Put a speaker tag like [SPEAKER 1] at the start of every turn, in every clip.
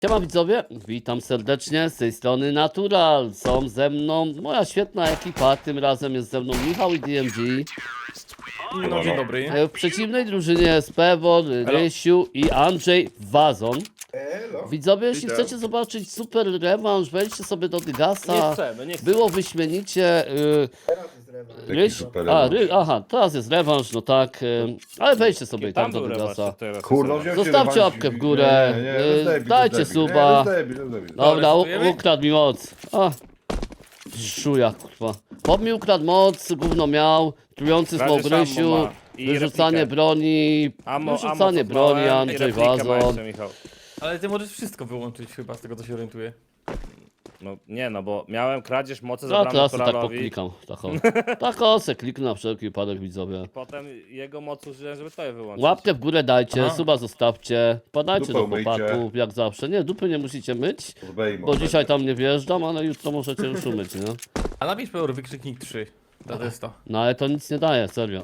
[SPEAKER 1] Siema widzowie, witam serdecznie, z tej strony Natural. Są ze mną moja świetna ekipa, tym razem jest ze mną Michał i DMG.
[SPEAKER 2] No dzień dobry.
[SPEAKER 1] W przeciwnej drużynie jest Pewor, Rysiu i Andrzej Wazon.
[SPEAKER 3] Elo.
[SPEAKER 1] Widzowie, jeśli
[SPEAKER 3] Witam.
[SPEAKER 1] chcecie zobaczyć super rewanż, wejdźcie sobie do
[SPEAKER 2] Nie
[SPEAKER 1] Dygasa.
[SPEAKER 2] chcemy, nie chcemy.
[SPEAKER 1] Było wyśmienicie.
[SPEAKER 3] Teraz jest rewanż.
[SPEAKER 1] Rysiu,
[SPEAKER 3] super rewanż.
[SPEAKER 1] aha, teraz jest rewanż, no tak. Ale wejdźcie sobie i tam do
[SPEAKER 2] był
[SPEAKER 1] Dygasa.
[SPEAKER 2] rewanż, teraz
[SPEAKER 3] Kurno,
[SPEAKER 2] jest
[SPEAKER 3] wziąłem się
[SPEAKER 1] Zostawcie
[SPEAKER 3] rewanż.
[SPEAKER 1] łapkę w górę, dajcie suba. Dobra,
[SPEAKER 2] Aresztujemy?
[SPEAKER 1] ukradł mi moc. Szuja, kurwa. Chłop mi ukradł moc, gówno miał, trujący
[SPEAKER 2] Kradzież
[SPEAKER 1] smok Rysiu,
[SPEAKER 2] ammo ma. I
[SPEAKER 1] wyrzucanie
[SPEAKER 2] replikę.
[SPEAKER 1] broni, wyrzucanie broni, Andrzej Wazon.
[SPEAKER 2] Michał.
[SPEAKER 4] Ale ty możesz wszystko wyłączyć chyba z tego, co się orientuję.
[SPEAKER 2] No nie, no bo miałem kradzież mocy,
[SPEAKER 1] No
[SPEAKER 2] zabrałem
[SPEAKER 1] teraz tak
[SPEAKER 2] naturalowi.
[SPEAKER 1] poklikam. Tak o, se kliknę na wszelki wypadek, widzowie.
[SPEAKER 2] Potem jego moc użyłem, żeby to je wyłączyć.
[SPEAKER 1] Łapkę w górę dajcie,
[SPEAKER 4] Aha.
[SPEAKER 1] suba zostawcie, padajcie
[SPEAKER 3] Dupę
[SPEAKER 1] do
[SPEAKER 3] umyjcie.
[SPEAKER 1] chłopaków, jak zawsze. Nie, dupy nie musicie myć, bo dzisiaj tam nie wjeżdżam, ale jutro możecie już umyć, nie?
[SPEAKER 4] A napisz Peor wykrzyknik 3. To jest to.
[SPEAKER 1] No ale to nic nie daje, serio.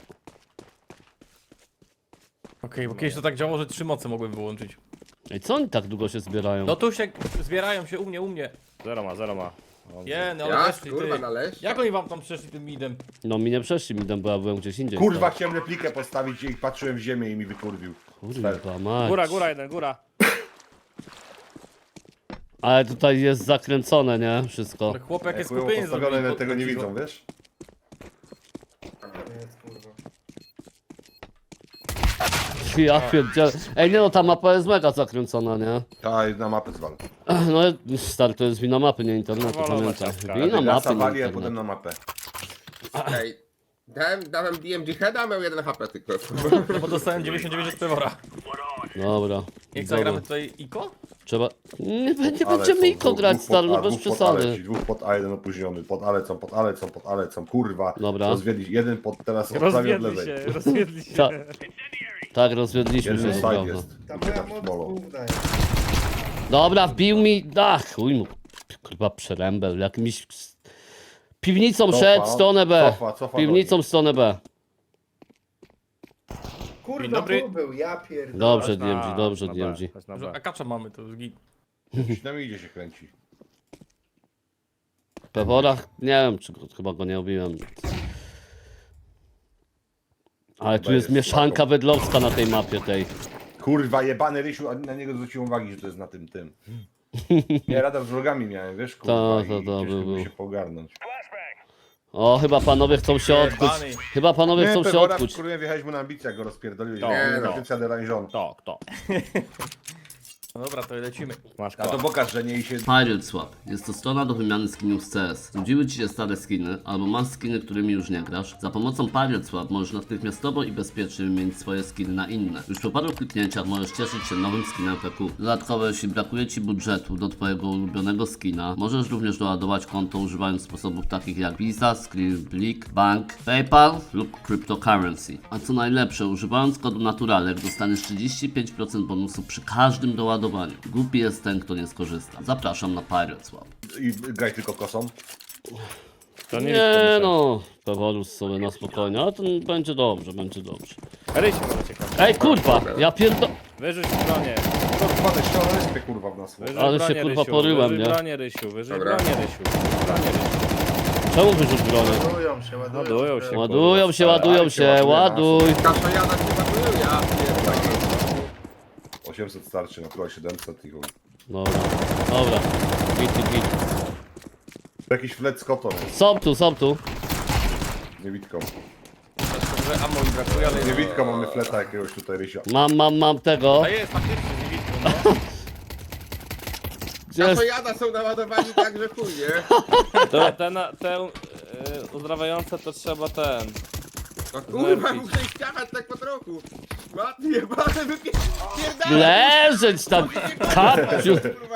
[SPEAKER 4] Okej, bo kiedyś to tak działało, że 3 moce mogłem wyłączyć.
[SPEAKER 1] Ej, co oni tak długo się zbierają?
[SPEAKER 4] No tu się zbierają się u mnie.
[SPEAKER 2] Zero ma.
[SPEAKER 4] Nie, no ale
[SPEAKER 5] Ja,
[SPEAKER 4] weszli,
[SPEAKER 5] kurwa,
[SPEAKER 4] ty.
[SPEAKER 5] należ.
[SPEAKER 4] Jak oni wam tam przeszli tym midem?
[SPEAKER 1] No mi nie przeszli midem, bo ja byłem gdzieś indziej.
[SPEAKER 3] Kurwa, chciałem replikę postawić i patrzyłem w ziemię i mi wykurwił.
[SPEAKER 1] Kurwa, mać.
[SPEAKER 2] Góra jeden, góra.
[SPEAKER 1] Ale tutaj jest zakręcone, nie? Wszystko.
[SPEAKER 4] Ale chłop jakie
[SPEAKER 3] Jak były
[SPEAKER 4] skupienie
[SPEAKER 3] postawione,
[SPEAKER 4] zrobili.
[SPEAKER 3] ale tego nie widzą, wiesz?
[SPEAKER 5] Jest, kurwa.
[SPEAKER 1] Ja pierdzielę. Ej, nie no, ta mapa jest mega zakręcona, nie?
[SPEAKER 3] Ta na mapę zwal.
[SPEAKER 1] No, stary, to jest wina mapy, nie internetu,
[SPEAKER 2] Wolona
[SPEAKER 1] pamiętaj.
[SPEAKER 2] ciastka.
[SPEAKER 1] Wina
[SPEAKER 3] Ja
[SPEAKER 1] mapy, nie
[SPEAKER 3] wali, a potem
[SPEAKER 1] internetu.
[SPEAKER 3] na mapę.
[SPEAKER 5] Ej, dałem DMG heada, a miał 1 HP tylko.
[SPEAKER 4] No bo dostałem 99 od Pewora.
[SPEAKER 1] Dobra.
[SPEAKER 4] Jak
[SPEAKER 1] Dobra.
[SPEAKER 4] zagramy tutaj Iko?
[SPEAKER 1] Trzeba... Nie
[SPEAKER 3] Ale
[SPEAKER 1] będziemy
[SPEAKER 3] są
[SPEAKER 1] Iko
[SPEAKER 3] dwóch
[SPEAKER 1] grać,
[SPEAKER 3] pod
[SPEAKER 1] stary, no
[SPEAKER 3] A,
[SPEAKER 1] bez
[SPEAKER 3] dwóch pod Ale,
[SPEAKER 1] przesady.
[SPEAKER 3] ci dwóch pod A, jeden opóźniony. Pod Alecą, kurwa.
[SPEAKER 1] Dobra.
[SPEAKER 3] Rozwiedli, jeden pod teraz od prawej od
[SPEAKER 2] Rozwiedli
[SPEAKER 3] lewej.
[SPEAKER 2] się, rozwiedli się.
[SPEAKER 1] Ta... Tak, rozwiedliśmy
[SPEAKER 3] Jeden
[SPEAKER 1] się,
[SPEAKER 3] side
[SPEAKER 1] prawda.
[SPEAKER 3] jest. Ta
[SPEAKER 6] Ta moja moc główna jest.
[SPEAKER 1] Dobra, wbił mi... Ach, chuj mu. Kurwa, przerębel, jakimś... Piwnicą szedł w stronę B.
[SPEAKER 3] Cofa
[SPEAKER 1] Piwnicą w stronę B.
[SPEAKER 6] Kurwa,
[SPEAKER 4] dobry.
[SPEAKER 6] tu był, ja pierdolę.
[SPEAKER 1] Dobrze,
[SPEAKER 2] Chodź na-
[SPEAKER 1] DMG, dobrze,
[SPEAKER 2] na B,
[SPEAKER 1] DMG.
[SPEAKER 2] chodź na
[SPEAKER 4] Że
[SPEAKER 2] B.
[SPEAKER 4] akacza mamy, to już git.
[SPEAKER 3] Na mnie idzie się kręci.
[SPEAKER 1] Peworach, nie wiem, czy chyba go nie obiłem. Ale tu
[SPEAKER 3] Chyba
[SPEAKER 1] jest
[SPEAKER 3] jest
[SPEAKER 1] mieszanka
[SPEAKER 3] słabo.
[SPEAKER 1] wedlowska na tej mapie tej.
[SPEAKER 3] Kurwa, jebany Rysiu, a na niego zwróciłem uwagi, że to jest na tym. Nie, radar z wrogami miałem, wiesz, kurwa,
[SPEAKER 1] To,
[SPEAKER 3] i
[SPEAKER 1] był.
[SPEAKER 3] ciężko było się pogarnąć.
[SPEAKER 1] O, chyba panowie chcą się odkuć.
[SPEAKER 4] Jebany.
[SPEAKER 1] Chyba panowie chcą się
[SPEAKER 3] Pewora,
[SPEAKER 1] odkuć.
[SPEAKER 3] kurwa, wjechałeś mu na ambicję, jak go rozpierdoliłeś.
[SPEAKER 2] To,
[SPEAKER 3] Nie,
[SPEAKER 2] to.
[SPEAKER 3] Patrycja de Rangeon.
[SPEAKER 2] To.
[SPEAKER 4] No dobra, to lecimy.
[SPEAKER 2] Masz
[SPEAKER 3] A to
[SPEAKER 2] koła.
[SPEAKER 3] pokaż, że nie i się...
[SPEAKER 1] Pirate Swap. Jest to strona do wymiany skinów z CS. Nudziły ci się stare skiny, albo masz skiny, którymi już nie grasz? Za pomocą Pirate Swap możesz natychmiastowo i bezpiecznie wymienić swoje skiny na inne. Już po paru kliknięciach możesz cieszyć się nowym skinem PQ. Dodatkowo, jeśli brakuje ci budżetu do twojego ulubionego skina, możesz również doładować konto używając sposobów takich jak Visa, Skribblik, Bank, PayPal lub Cryptocurrency. A co najlepsze, używając kodu Naturalek dostaniesz 35% bonusu przy każdym doładowaniu. Głupi jest ten, kto nie skorzysta. Zapraszam na Pirate Swap.
[SPEAKER 3] I graj tylko kosą.
[SPEAKER 2] To
[SPEAKER 1] Nie
[SPEAKER 2] nie
[SPEAKER 1] no, Pewolus sobie na spokojnie, ale to będzie dobrze, będzie dobrze.
[SPEAKER 2] Rysiu, może ciekawe.
[SPEAKER 1] Ej kurwa, ja pierdo...
[SPEAKER 2] Wyrzuć bronię.
[SPEAKER 3] Kurwa, te ściany respie, kurwa, w nas.
[SPEAKER 2] Wyrzuć
[SPEAKER 1] Ale się,
[SPEAKER 2] bronię,
[SPEAKER 1] kurwa,
[SPEAKER 2] Rysiu.
[SPEAKER 1] poryłem,
[SPEAKER 2] Wyrzuć
[SPEAKER 1] nie?
[SPEAKER 2] bronię, Rysiu. Wyrzuć
[SPEAKER 5] Dobra.
[SPEAKER 2] bronię, Rysiu. Bronię, Rysiu.
[SPEAKER 1] Czemu wyrzuć bronię?
[SPEAKER 6] Ładują się, ładują.
[SPEAKER 2] Ładują się.
[SPEAKER 1] Ładują się, ładują się, ładuj.
[SPEAKER 5] Kasza jada się ładuje, ja pierdolę.
[SPEAKER 3] 800 starczy, na chyba 700 i chuj.
[SPEAKER 1] Dobra, dobra. Git.
[SPEAKER 3] Jakiś flet z kotą,
[SPEAKER 1] Są tu.
[SPEAKER 3] z niewidką.
[SPEAKER 4] Że ammo mi brakuje, ale...
[SPEAKER 3] Z niewidką mamy fleta jakiegoś tutaj Rysia.
[SPEAKER 1] Mam tego.
[SPEAKER 4] A jest, faktycznie, nie widzę. No.
[SPEAKER 1] Gdzie jest?
[SPEAKER 5] Kasza jada są naładowani tak, że chuj, nie?
[SPEAKER 2] Te uzdrawające to trzeba ten.
[SPEAKER 5] No kurwa,
[SPEAKER 2] Nerfić.
[SPEAKER 5] muszę ich ściachać tak po trochu. Matnie, jebane, wypierdalaj!
[SPEAKER 1] Leżeć tam, kapciu.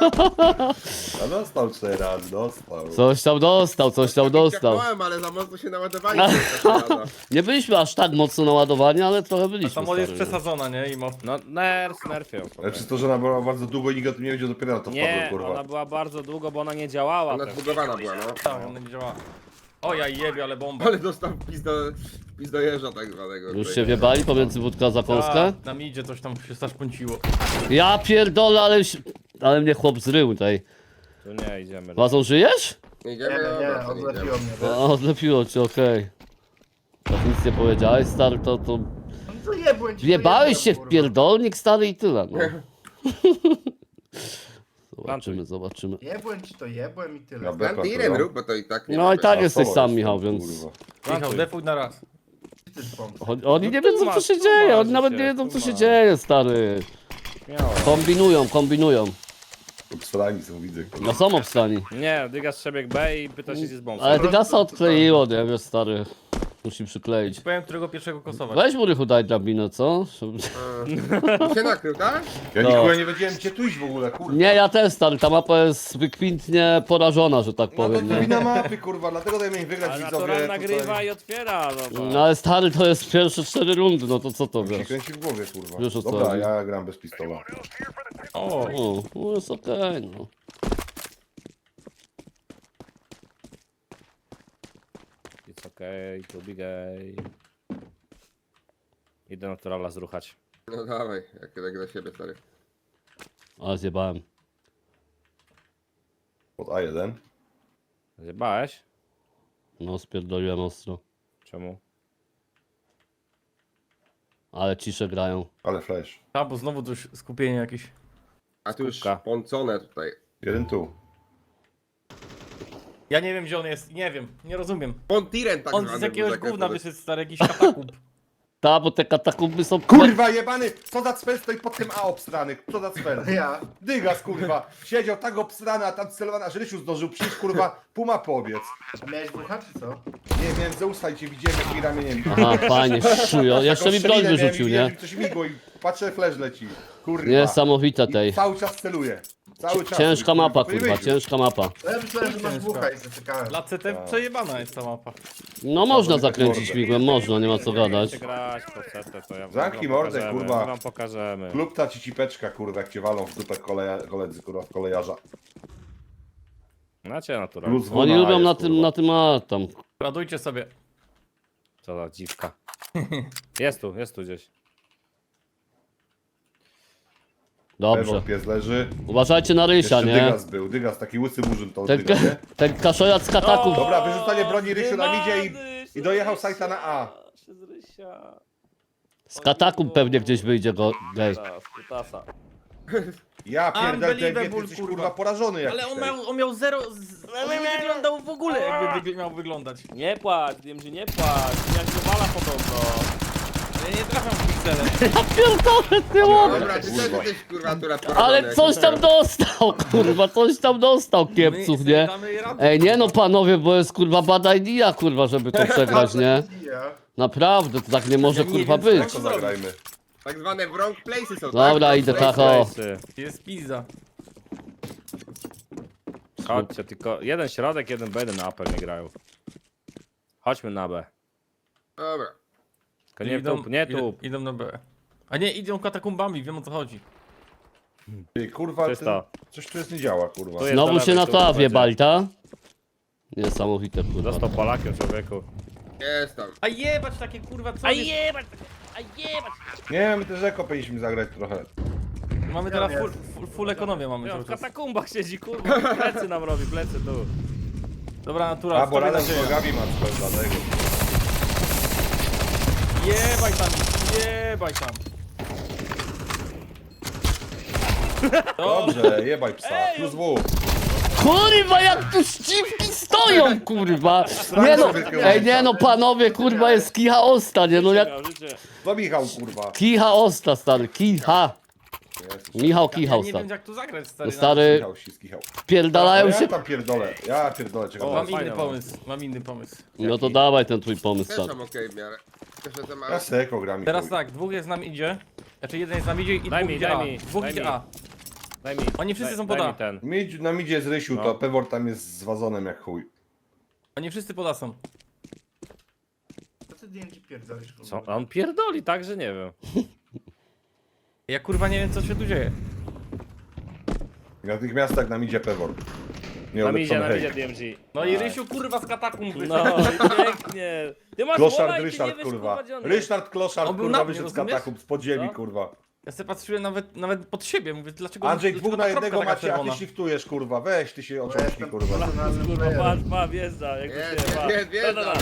[SPEAKER 3] A dostał 4 razy, dostał.
[SPEAKER 1] Coś tam dostał.
[SPEAKER 5] Ciachnąłem, ale za mocno się naładowali. tą kasza jada.
[SPEAKER 1] Nie byliśmy aż tak mocno naładowani, ale trochę byliśmy.
[SPEAKER 4] Samochód jest
[SPEAKER 1] stary.
[SPEAKER 4] przesadzona, nie? I mo...
[SPEAKER 2] No nerfią.
[SPEAKER 3] Ale przez to, że ona była bardzo długo i nikt o tym nie wiedział, dopiero na to wpadło,
[SPEAKER 2] Nie,
[SPEAKER 3] kurwa.
[SPEAKER 2] ona była bardzo długo, bo ona nie działała.
[SPEAKER 5] Ona
[SPEAKER 2] też.
[SPEAKER 5] zbugowana była, no.
[SPEAKER 4] Tak, ona nie działa. O ja jebie, ale bomba.
[SPEAKER 5] Ale dostał wpis do jeża tak zwanego.
[SPEAKER 1] Już się wiebali pomiędzy wódka za Polskę?
[SPEAKER 4] Na midzie coś tam się zaszpąciło.
[SPEAKER 1] Ja pierdolę, ale... Ale mnie chłop zrył tutaj.
[SPEAKER 2] Tu nie, idziemy.
[SPEAKER 1] Wazon, żyjesz?
[SPEAKER 5] Idziemy,
[SPEAKER 6] Nie,
[SPEAKER 5] dobra, to
[SPEAKER 6] odlepiło
[SPEAKER 5] idziemy.
[SPEAKER 6] mnie. wiesz?
[SPEAKER 1] O, odlepiło cię, okej. Tak nic nie powiedziałeś, stary, to...
[SPEAKER 6] No to jebłem ci, to
[SPEAKER 1] Wjebałeś
[SPEAKER 6] jebłem,
[SPEAKER 1] się w
[SPEAKER 6] kurwa.
[SPEAKER 1] pierdolnik, stary, i tyle, no. Zobaczymy.
[SPEAKER 6] Jebłem ci to, jebłem i tyle.
[SPEAKER 3] Ja be-
[SPEAKER 5] Tam tirem rób, bo to i tak nie
[SPEAKER 1] No
[SPEAKER 5] ma
[SPEAKER 1] i tak
[SPEAKER 5] bez-
[SPEAKER 1] jesteś
[SPEAKER 3] Solo
[SPEAKER 1] sam,
[SPEAKER 3] jestem,
[SPEAKER 1] Michał, więc...
[SPEAKER 3] kurwa.
[SPEAKER 4] Michał, defuj na raz.
[SPEAKER 6] Ty sponsor.
[SPEAKER 1] Oni nie
[SPEAKER 2] No
[SPEAKER 1] wiedzą, co
[SPEAKER 2] tłumacz,
[SPEAKER 1] się dzieje, oni
[SPEAKER 2] tłumacz
[SPEAKER 1] nawet
[SPEAKER 2] się,
[SPEAKER 1] nie wiedzą, co się
[SPEAKER 2] tłumacz.
[SPEAKER 1] dzieje, stary.
[SPEAKER 2] Śmiało.
[SPEAKER 1] Kombinują.
[SPEAKER 3] Obstrani są, widzę, kurwa.
[SPEAKER 1] No są obstani.
[SPEAKER 2] Nie, Dygas przebieg B i pyta się, gdzie z bombą.
[SPEAKER 1] Ale ty gasa odkleiło, nie wiesz, stary. Musi przykleić.
[SPEAKER 4] Powiem, którego pierwszego kosować.
[SPEAKER 1] Weź mu Rychu, daj drabinę, co?
[SPEAKER 5] Ty się nakrył, tak?
[SPEAKER 3] Ja
[SPEAKER 1] No.
[SPEAKER 3] nikogo nie wiedziałem, gdzie tu iść w ogóle, kurwa.
[SPEAKER 1] Nie, ja też, stary, ta mapa jest wykwintnie porażona, że tak
[SPEAKER 3] No to
[SPEAKER 1] powiem,
[SPEAKER 3] to
[SPEAKER 1] nie?
[SPEAKER 3] wina mapy, kurwa, dlatego dajmy im wygrać
[SPEAKER 2] Ale
[SPEAKER 3] widzowie.
[SPEAKER 2] natural
[SPEAKER 3] tutaj.
[SPEAKER 2] nagrywa i otwiera, no
[SPEAKER 1] No ale stary, to jest pierwsze 4 rundy, no to co to
[SPEAKER 3] Mi się
[SPEAKER 1] wiesz?
[SPEAKER 3] kręci w głowie, kurwa.
[SPEAKER 1] Wiesz, o co
[SPEAKER 3] Dobra,
[SPEAKER 1] chodzi.
[SPEAKER 3] ja gram bez pistola.
[SPEAKER 4] O,
[SPEAKER 1] O, no jest okej, no.
[SPEAKER 2] It's okay, to be gay. Idę naturala zruchać.
[SPEAKER 5] No dawaj, jak tak dla siebie, stary.
[SPEAKER 1] Ale zjebałem.
[SPEAKER 3] Pod A1.
[SPEAKER 2] Zjebałeś?
[SPEAKER 1] No, spierdoliłem ostro.
[SPEAKER 2] Czemu?
[SPEAKER 1] Ale cisze grają.
[SPEAKER 3] Ale flash.
[SPEAKER 4] a, bo znowu coś skupienie jakieś.
[SPEAKER 5] A tu już
[SPEAKER 2] Skupka.
[SPEAKER 5] poncone tutaj.
[SPEAKER 3] Jeden tu.
[SPEAKER 4] Ja nie wiem, gdzie on jest, nie wiem, nie rozumiem.
[SPEAKER 5] Pontiren tak
[SPEAKER 4] On
[SPEAKER 5] zwany
[SPEAKER 4] z
[SPEAKER 5] był
[SPEAKER 4] jakiegoś
[SPEAKER 5] zakręcony.
[SPEAKER 4] gówna wyszedł, stary, jakiś katakumb.
[SPEAKER 1] Ta, bo te katakumby są...
[SPEAKER 3] Kurwa jebany! Co za cfel stoi pod tym A obstrany? Co za cfel?
[SPEAKER 6] Ja.
[SPEAKER 3] Dygas, kurwa. Siedział tak obstrany, a tam celowany, aż Rysiu zdążył przyjść, kurwa, pół mapy obiec.
[SPEAKER 6] A miałeś bucha czy co?
[SPEAKER 3] Nie, miałem Zeusa i cię widziałem jakimi ramieniem.
[SPEAKER 1] Aha, fajnie, szujo. Jeszcze mi broń wyrzucił, nie?
[SPEAKER 3] Coś migło i patrzę, flash leci. Kurwa.
[SPEAKER 1] Niesamowite
[SPEAKER 3] I
[SPEAKER 1] tej.
[SPEAKER 3] cały czas celuje. Cały czas.
[SPEAKER 1] Ciężka mapa,
[SPEAKER 3] To nie
[SPEAKER 1] kurwa,
[SPEAKER 3] wyjdzie.
[SPEAKER 1] ciężka mapa.
[SPEAKER 6] No ja myślałem, że masz bucha i zaczekałem.
[SPEAKER 4] Dla CT przejebana jest ta mapa.
[SPEAKER 1] No można
[SPEAKER 3] zamykać
[SPEAKER 1] zakręcić
[SPEAKER 3] mordę.
[SPEAKER 1] migłem, można, nie ma co gadać.
[SPEAKER 2] Chcecie grać po setę, to ja wam
[SPEAKER 3] Zamknij
[SPEAKER 2] wam
[SPEAKER 3] mordę,
[SPEAKER 2] pokażemy,
[SPEAKER 3] kurwa.
[SPEAKER 2] my wam pokażemy.
[SPEAKER 3] Klub ta cipeczka, kurwa, jak cię walą w dupę koledzy, kurwa, w kolejarza.
[SPEAKER 2] Znacie natural.
[SPEAKER 3] Plus
[SPEAKER 1] Oni
[SPEAKER 3] WNA
[SPEAKER 1] lubią
[SPEAKER 3] jest,
[SPEAKER 1] na tym,
[SPEAKER 3] kurwa.
[SPEAKER 1] na tym, a tam.
[SPEAKER 4] Radujcie sobie.
[SPEAKER 2] Co za dziwka. Jest tu gdzieś.
[SPEAKER 1] Dobrze.
[SPEAKER 3] Pewor pies leży.
[SPEAKER 1] Uważajcie na Rysia,
[SPEAKER 3] Jeszcze
[SPEAKER 1] nie?
[SPEAKER 3] Dygas był. Dygas, taki łysy murzyn to
[SPEAKER 1] Ten,
[SPEAKER 3] Dygas, nie?
[SPEAKER 1] ten kaszojac z kataków.
[SPEAKER 3] Dobra, wyrzucanie broni Rysiu na midzie
[SPEAKER 2] Wymady
[SPEAKER 3] i dojechał
[SPEAKER 2] się z
[SPEAKER 3] Sajta na A.
[SPEAKER 2] Rysia, się z Rysia.
[SPEAKER 1] Z kataków pewnie gdzieś wyjdzie go gej.
[SPEAKER 2] Teraz, kutasa.
[SPEAKER 3] Ja pierdolę, ten
[SPEAKER 4] Unbelievable,
[SPEAKER 3] jesteś,
[SPEAKER 4] kurwa.
[SPEAKER 3] kurwa, porażony jakiś.
[SPEAKER 4] Ale
[SPEAKER 3] tej.
[SPEAKER 4] on miał zero... On nie wyglądał w ogóle, jakby miał wyglądać.
[SPEAKER 2] Nie płacz, wiem, że nie płacz. Jak wywala podobno.
[SPEAKER 4] Ja nie trafiam w piksele.
[SPEAKER 1] Pierdolę, ty łopie.
[SPEAKER 5] Dobra, ty też
[SPEAKER 1] No.
[SPEAKER 5] jesteś kurwa akurat
[SPEAKER 1] Ale coś tam dostał, kurwa, coś tam dostał kiepców,
[SPEAKER 4] My
[SPEAKER 1] nie?
[SPEAKER 4] damy radę.
[SPEAKER 1] Ej, nie no panowie, bo jest kurwa bad idea, kurwa, żeby to przegrać, nie?
[SPEAKER 6] Ja.
[SPEAKER 1] Naprawdę, to tak nie może
[SPEAKER 4] Ja nie
[SPEAKER 1] kurwa
[SPEAKER 4] wiem, co
[SPEAKER 1] być.
[SPEAKER 3] To zagrajmy.
[SPEAKER 5] Tak zwane wrong places są,
[SPEAKER 1] Dobra,
[SPEAKER 5] tak?
[SPEAKER 1] idę
[SPEAKER 5] Wrong
[SPEAKER 1] tak,
[SPEAKER 5] places.
[SPEAKER 1] o.
[SPEAKER 2] Place'y.
[SPEAKER 4] Jest pizza.
[SPEAKER 2] Chodźcie, tylko jeden środek, jeden B, jeden upper nie grają. Chodźmy na B.
[SPEAKER 5] Dobra.
[SPEAKER 2] Tylko nie tup, nie tup.
[SPEAKER 4] Idą na B. A nie, idą katakumbami, wiem o co chodzi.
[SPEAKER 3] Ty, kurwa,
[SPEAKER 2] Czysto.
[SPEAKER 3] coś tu jest nie działa, kurwa.
[SPEAKER 2] Tu jest
[SPEAKER 1] Znowu
[SPEAKER 2] do
[SPEAKER 1] się
[SPEAKER 2] lewej,
[SPEAKER 1] na
[SPEAKER 2] tu
[SPEAKER 1] to A
[SPEAKER 2] będzie.
[SPEAKER 1] wjebali, ta? Niesamowite, kurwa.
[SPEAKER 2] Został Polakiem, człowieku.
[SPEAKER 5] Jest tam.
[SPEAKER 4] A jebać takie kurwa, co
[SPEAKER 2] A
[SPEAKER 4] jest?
[SPEAKER 2] jebać! A jebać!
[SPEAKER 3] Nie, my też eko powinniśmy zagrać trochę.
[SPEAKER 4] Mamy teraz full ekonomię mamy
[SPEAKER 2] Ja
[SPEAKER 4] cały
[SPEAKER 2] w
[SPEAKER 4] czas.
[SPEAKER 2] katakumbach siedzi, kurwa. Plecy nam robi, plecy tu.
[SPEAKER 4] Dobra, natura,
[SPEAKER 3] A, bo
[SPEAKER 4] tobie
[SPEAKER 3] razem z
[SPEAKER 4] nadzieja.
[SPEAKER 3] nogami ma coś dlatego.
[SPEAKER 4] Jebaj tam, jebaj tam.
[SPEAKER 3] Dobrze, jebaj psa. Plus W.
[SPEAKER 1] Kurwa, jak tu ściwki stoją, kurwa! Nie no, ej, nie no, panowie, kurwa, jest kicha osta, nie no, jak...
[SPEAKER 2] Miał życie.
[SPEAKER 3] To Michał, kurwa.
[SPEAKER 1] Kicha osta, stary, kicha. Michał
[SPEAKER 4] Ja
[SPEAKER 1] kicha
[SPEAKER 4] nie
[SPEAKER 1] osta.
[SPEAKER 4] wiem jak tu zagrać, stary.
[SPEAKER 1] Stary,
[SPEAKER 3] Michał, Michał.
[SPEAKER 1] pierdalają
[SPEAKER 3] Ja
[SPEAKER 1] się...
[SPEAKER 3] tam pierdolę. Ja pierdolę, czego
[SPEAKER 2] O,
[SPEAKER 4] Mam
[SPEAKER 2] fajne
[SPEAKER 4] inny
[SPEAKER 2] mam.
[SPEAKER 4] pomysł, mam inny pomysł.
[SPEAKER 1] No to dawaj ten twój pomysł,
[SPEAKER 5] Też
[SPEAKER 1] stary.
[SPEAKER 5] tam okej w miarę. Tylko, że to ma...
[SPEAKER 3] Ja se eko gram i
[SPEAKER 4] Teraz
[SPEAKER 3] chuj.
[SPEAKER 4] tak, dwóch jest nam idzie. Znaczy jeden jest nam idzie i
[SPEAKER 2] Daj
[SPEAKER 4] dwóch
[SPEAKER 2] mi,
[SPEAKER 4] idzie
[SPEAKER 2] daj
[SPEAKER 4] A.
[SPEAKER 2] mi,
[SPEAKER 4] Dwóch
[SPEAKER 2] daj
[SPEAKER 4] idzie
[SPEAKER 2] mi.
[SPEAKER 4] A.
[SPEAKER 2] Daj mi.
[SPEAKER 4] Oni wszyscy są
[SPEAKER 2] daj
[SPEAKER 4] pod A.
[SPEAKER 2] mi ten.
[SPEAKER 3] Na midzie jest Rysiu,
[SPEAKER 2] No.
[SPEAKER 3] to Pewor tam jest z wazonem jak chuj.
[SPEAKER 4] Oni wszyscy pod A są.
[SPEAKER 6] Co ty DMG pierdolisz? kurwa?
[SPEAKER 2] Co? A on pierdoli, tak, że nie wiem.
[SPEAKER 4] Ja kurwa nie wiem co się tu dzieje.
[SPEAKER 3] Natychmiast tak nam idzie Pewor. Nie
[SPEAKER 2] Na midzie,
[SPEAKER 3] ulepszony
[SPEAKER 2] na
[SPEAKER 3] hej.
[SPEAKER 2] midzie DMG.
[SPEAKER 4] No i Rysiu kurwa z katakumb wyszedł.
[SPEAKER 2] No i pięknie. Ty masz
[SPEAKER 3] Kloszard
[SPEAKER 2] wola i ty nie
[SPEAKER 3] Ryszard,
[SPEAKER 2] wiesz,
[SPEAKER 3] kurwa.
[SPEAKER 2] gdzie on jest.
[SPEAKER 3] Ryszard Kloszard,
[SPEAKER 4] On był
[SPEAKER 3] kurwa,
[SPEAKER 4] na mnie,
[SPEAKER 3] wyszedł z
[SPEAKER 4] rozumiesz?
[SPEAKER 3] katakumb, z podziemi,
[SPEAKER 2] Co?
[SPEAKER 3] kurwa.
[SPEAKER 4] Ja sobie patrzyłem nawet pod siebie, mówię, dlaczego...
[SPEAKER 3] Andrzej,
[SPEAKER 4] dlaczego
[SPEAKER 3] dwóch
[SPEAKER 4] ta
[SPEAKER 3] na
[SPEAKER 4] kropka
[SPEAKER 3] jednego
[SPEAKER 4] taka
[SPEAKER 3] macie, a ty
[SPEAKER 4] czerwona?
[SPEAKER 3] shiftujesz, kurwa. Weź, ty się
[SPEAKER 6] Ja
[SPEAKER 3] oczążki,
[SPEAKER 6] jestem
[SPEAKER 3] kurwa.
[SPEAKER 6] profesjonalnym
[SPEAKER 2] Kurwa,
[SPEAKER 6] playerem.
[SPEAKER 2] ma, wjeżdża, jak to
[SPEAKER 5] Jest,
[SPEAKER 2] się ma.
[SPEAKER 5] jest, jest,
[SPEAKER 2] Da, da, da.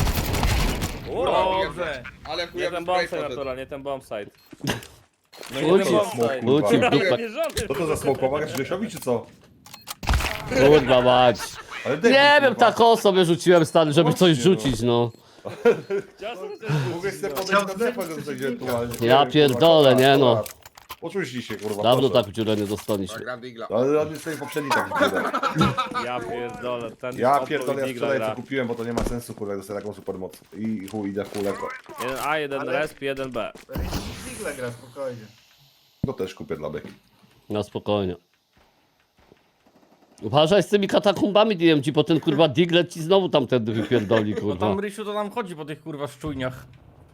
[SPEAKER 4] Dobrze.
[SPEAKER 5] Ale
[SPEAKER 2] Nie
[SPEAKER 5] chujowy
[SPEAKER 2] ten
[SPEAKER 5] spray
[SPEAKER 2] bombsite,
[SPEAKER 5] poszedł.
[SPEAKER 2] natura, nie ten bombsite. No
[SPEAKER 1] Uciekł.
[SPEAKER 2] nie ten bombsite.
[SPEAKER 3] Kurwa.
[SPEAKER 1] Uciekł w dupę.
[SPEAKER 2] Mierzony.
[SPEAKER 3] Co to za smok? Pomagasz Grzesiowi, czy co?
[SPEAKER 1] Kurwa mać.
[SPEAKER 3] Ale debil,
[SPEAKER 1] Nie wiem,
[SPEAKER 3] kurwa.
[SPEAKER 1] taką sobie rzuciłem stary, żeby coś
[SPEAKER 3] Właśnie, no.
[SPEAKER 1] rzucić, no.
[SPEAKER 2] Chciałem sobie coś
[SPEAKER 3] Mogłeś sobie
[SPEAKER 6] Chciał
[SPEAKER 3] podejść na
[SPEAKER 6] zrzucić
[SPEAKER 3] defę, to
[SPEAKER 6] przeciwnika.
[SPEAKER 3] ewentualnie.
[SPEAKER 1] Ja
[SPEAKER 3] Nie wiem,
[SPEAKER 1] pierdolę,
[SPEAKER 3] kurwa,
[SPEAKER 1] nie no.
[SPEAKER 3] akurat. Poczuliście się, kurwa.
[SPEAKER 1] Dawno
[SPEAKER 3] proszę.
[SPEAKER 1] tak w dziurę nie dostaliśmy.
[SPEAKER 5] Gram Digla.
[SPEAKER 3] Ale on jest sobie poprzedni tak widzę.
[SPEAKER 2] Ja pierdolę, ten
[SPEAKER 3] Ja
[SPEAKER 2] Oppo
[SPEAKER 3] pierdolę, ja
[SPEAKER 2] i
[SPEAKER 3] wczoraj
[SPEAKER 2] gra.
[SPEAKER 3] co kupiłem, bo to nie ma sensu, kurwa, dostaję taką supermoc. I chuj, idę w kuleko.
[SPEAKER 2] Jeden A, jeden
[SPEAKER 6] Ale-
[SPEAKER 2] resp, jeden B.
[SPEAKER 6] Digle gra spokojnie.
[SPEAKER 3] To też kupię dla beki.
[SPEAKER 1] No spokojnie. Uważaj z tymi katakumbami DMG, bo ten kurwa Diglet ci znowu tamtędy wypierdoli,
[SPEAKER 4] Bo
[SPEAKER 1] kurwa.
[SPEAKER 4] tam Rysiu to nam chodzi po tych kurwa szczujniach.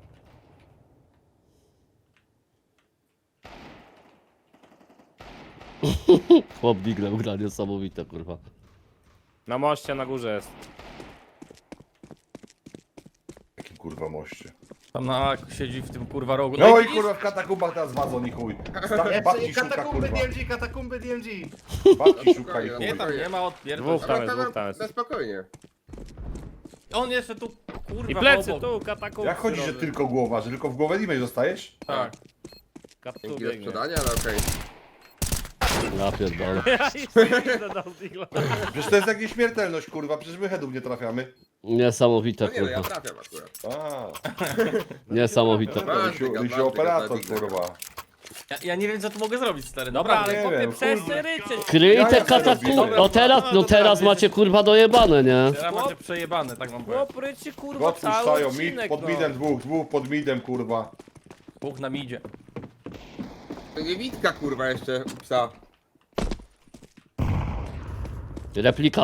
[SPEAKER 1] Chłop Digle ugra niesamowite, kurwa.
[SPEAKER 2] Na moście, na górze jest.
[SPEAKER 3] Jakim kurwa moście.
[SPEAKER 4] Tam na siedzi w tym kurwa rogu.
[SPEAKER 3] No i
[SPEAKER 4] widzisz?
[SPEAKER 3] kurwa w katakumbach teraz wadzą ni chuj.
[SPEAKER 6] Jeszcze
[SPEAKER 3] Babci szuka,
[SPEAKER 6] katakumby
[SPEAKER 3] kurwa.
[SPEAKER 6] DMG, katakumby DMG.
[SPEAKER 3] Babci szuka i chuj.
[SPEAKER 4] Nie tam nie ma
[SPEAKER 2] Dwóch
[SPEAKER 4] odpierdol.
[SPEAKER 2] tam jest, dwóch tam jest.
[SPEAKER 5] Na spokojnie.
[SPEAKER 4] On jeszcze tu kurwa
[SPEAKER 2] I plecy
[SPEAKER 4] obok.
[SPEAKER 2] tu, katakumb.
[SPEAKER 3] Jak chodzi, że tylko głowa, że tylko w głowę limej dostajesz?
[SPEAKER 4] Tak.
[SPEAKER 2] Katu
[SPEAKER 5] Dzięki za
[SPEAKER 2] biegnie.
[SPEAKER 5] sprzedanie, ale okej.
[SPEAKER 1] Ja pierdolę.
[SPEAKER 2] Ja jeszcze dodał digla.
[SPEAKER 3] Przecież to jest jak nieśmiertelność, kurwa, przecież my headów nie trafiamy.
[SPEAKER 1] Niesamowite,
[SPEAKER 5] No nie, no ja
[SPEAKER 1] kurwa.
[SPEAKER 5] trafiam akurat.
[SPEAKER 3] A,
[SPEAKER 1] Niesamowite.
[SPEAKER 3] Rysiu operator, kurwa.
[SPEAKER 4] Ja nie wiem co tu mogę zrobić stary.
[SPEAKER 2] Dobra,
[SPEAKER 4] Naprawdę.
[SPEAKER 2] ale
[SPEAKER 3] nie
[SPEAKER 2] chłopie,
[SPEAKER 3] wiem,
[SPEAKER 2] przestań ryczeć.
[SPEAKER 1] Kryj
[SPEAKER 3] Ja
[SPEAKER 1] te
[SPEAKER 3] jak to
[SPEAKER 1] katakumby.
[SPEAKER 3] robiłem?
[SPEAKER 1] No teraz, no teraz macie kurwa dojebane, nie?
[SPEAKER 4] Teraz macie przejebane, tak wam powiem.
[SPEAKER 2] Chłop ryczy, kurwa, cały
[SPEAKER 3] Odpuszczają mid,
[SPEAKER 2] odcinek,
[SPEAKER 3] pod
[SPEAKER 2] no.
[SPEAKER 3] midem dwóch pod midem, kurwa.
[SPEAKER 4] Bóg nam idzie.
[SPEAKER 5] To nie Witka, kurwa, jeszcze u psa.
[SPEAKER 1] Replika.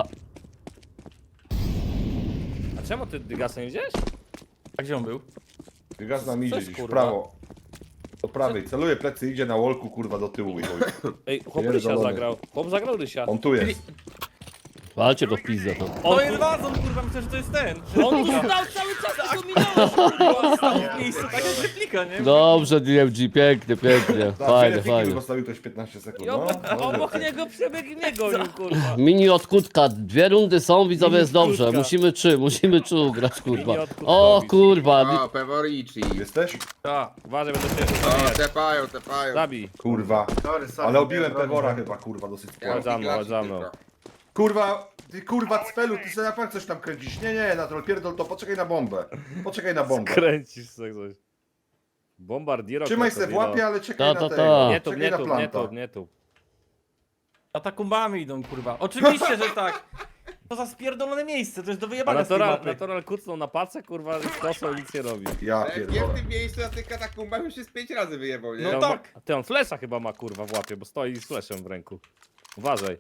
[SPEAKER 2] A czemu ty Dygasa nie wziąłeś?
[SPEAKER 4] A gdzie on był?
[SPEAKER 3] Gaz nam idzie
[SPEAKER 2] Coś,
[SPEAKER 3] gdzieś w
[SPEAKER 2] kurwa.
[SPEAKER 3] prawo. Do prawej, celuje plecy, idzie na wolku, kurwa, do tyłu i chuj.
[SPEAKER 2] Ej, chłop Rysia
[SPEAKER 3] Pierdolony.
[SPEAKER 2] zagrał. Chłop zagrał Rysia.
[SPEAKER 3] On tu jest.
[SPEAKER 1] Walcie go w pizdę tam.
[SPEAKER 4] To jest wazon kurwa, myślę, że to jest ten.
[SPEAKER 2] On tu stał cały czas, tylko minąłeś.
[SPEAKER 4] Stał w miejscu, tak jak replika, nie?
[SPEAKER 1] Dobrze DMG, pięknie, pięknie. Fajnie, fajnie.
[SPEAKER 3] Zostawił ktoś 15 sekund,
[SPEAKER 2] I
[SPEAKER 3] no.
[SPEAKER 2] obok niego przebiegł mnie gonił, kurwa.
[SPEAKER 1] Mini od kutka, 2 rundy są, widzowie, jest
[SPEAKER 2] Mini od
[SPEAKER 1] dobrze.
[SPEAKER 2] kutka.
[SPEAKER 1] Musimy trzy ugrać, kurwa.
[SPEAKER 2] Mini od kutka
[SPEAKER 1] O
[SPEAKER 2] robić.
[SPEAKER 1] kurwa,
[SPEAKER 5] O, Peworici.
[SPEAKER 3] Jesteś?
[SPEAKER 4] Tak.
[SPEAKER 2] Uważaj, będę się
[SPEAKER 5] O, tepają.
[SPEAKER 2] zabij.
[SPEAKER 3] Kurwa.
[SPEAKER 6] Sorry, sorry.
[SPEAKER 3] Ale obiłem
[SPEAKER 6] Miałem
[SPEAKER 3] Pewora
[SPEAKER 6] broń.
[SPEAKER 3] chyba, kurwa, dosyć
[SPEAKER 5] Ja
[SPEAKER 3] sporo.
[SPEAKER 2] Chodź za mną,
[SPEAKER 5] Digla
[SPEAKER 2] chodź za mną.
[SPEAKER 5] tylko.
[SPEAKER 3] Kurwa, ty kurwa cfelu, ty sobie na pewno coś tam kręcisz. Nie, na troll, pierdol to, poczekaj na bombę. Poczekaj na bombę.
[SPEAKER 2] Kręcisz sobie coś. Bombardiero.
[SPEAKER 3] Trzymaj se w łapie, ale czekaj
[SPEAKER 1] Ta,
[SPEAKER 3] na
[SPEAKER 1] ta,
[SPEAKER 3] tego.
[SPEAKER 1] ta.
[SPEAKER 2] Nie tu,
[SPEAKER 3] Czekaj
[SPEAKER 2] nie
[SPEAKER 3] na
[SPEAKER 2] tu, nie
[SPEAKER 3] planta.
[SPEAKER 2] tu, nie tu.
[SPEAKER 4] Katakumbami idą kurwa. Oczywiście, że tak. To za spierdolone miejsce, to jest do
[SPEAKER 2] A
[SPEAKER 4] wyjebania z tej mapy.
[SPEAKER 2] natural kucnął na pacę, kurwa, z kosą i nic nie robi.
[SPEAKER 3] Ja
[SPEAKER 5] Ale jak nie w
[SPEAKER 3] pierdolę.
[SPEAKER 5] tym miejscu na tych katakumbach już się z 5 razy wyjebał, nie?
[SPEAKER 4] No
[SPEAKER 2] Ty on
[SPEAKER 4] tak.
[SPEAKER 2] ma- Ty on flesza chyba ma, kurwa, w łapie, bo stoi z fleszem w ręku. Uważaj.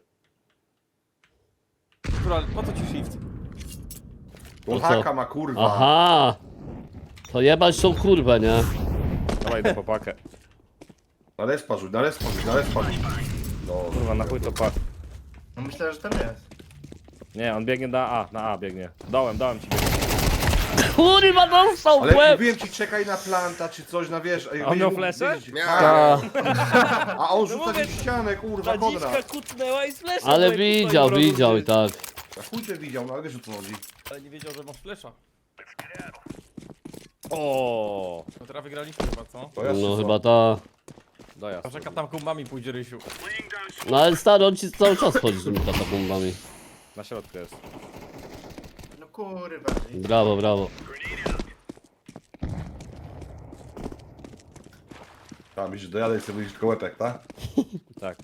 [SPEAKER 4] Kurwa, po co ci shift?
[SPEAKER 3] On
[SPEAKER 1] co?
[SPEAKER 3] haka ma, kurwa.
[SPEAKER 1] Aha. To jebać tą kurwę, nie?
[SPEAKER 2] Dawaj do popakę.
[SPEAKER 3] Na respa rzuć, na respa rzuć, na respa rzuć. No,
[SPEAKER 2] Kurwa, na chuj to pak.
[SPEAKER 6] No myślę, że tam jest.
[SPEAKER 2] Nie, on biegnie na A biegnie. Dołem ci biegnie.
[SPEAKER 1] Kurwa, dostał w
[SPEAKER 3] ale
[SPEAKER 1] łeb!
[SPEAKER 3] mówiłem ci, czekaj na planta, czy coś, na wiesz.
[SPEAKER 2] A on miał flesze?
[SPEAKER 5] Miałem.
[SPEAKER 3] A on rzuca
[SPEAKER 2] mówię,
[SPEAKER 3] w ścianę, kurwa,
[SPEAKER 2] Ta dziczka
[SPEAKER 3] Konrad.
[SPEAKER 2] kucnęła i z fleszem.
[SPEAKER 1] Ale
[SPEAKER 2] w ręku
[SPEAKER 1] widział
[SPEAKER 2] stoi
[SPEAKER 1] i
[SPEAKER 2] brązy.
[SPEAKER 1] tak.
[SPEAKER 3] A chuj ty widział, no ale wiesz o co chodzi.
[SPEAKER 4] Ale nie wiedział, że masz flesza.
[SPEAKER 2] O,
[SPEAKER 4] No teraz wygraliśmy chyba, co?
[SPEAKER 3] To jeszcze
[SPEAKER 1] No
[SPEAKER 3] co?
[SPEAKER 1] chyba ta.
[SPEAKER 2] dojazd.
[SPEAKER 4] Że katakumbami pójdzie Rysiu.
[SPEAKER 1] No ale stary, on ci cały czas chodzi z tymi katakumbami.
[SPEAKER 2] Na środku jest.
[SPEAKER 6] No kurwa.
[SPEAKER 1] Brawo, brawo.
[SPEAKER 3] Tam, widzisz, dojadę i sobie wyjść tylko łepek, tak?
[SPEAKER 2] Tak.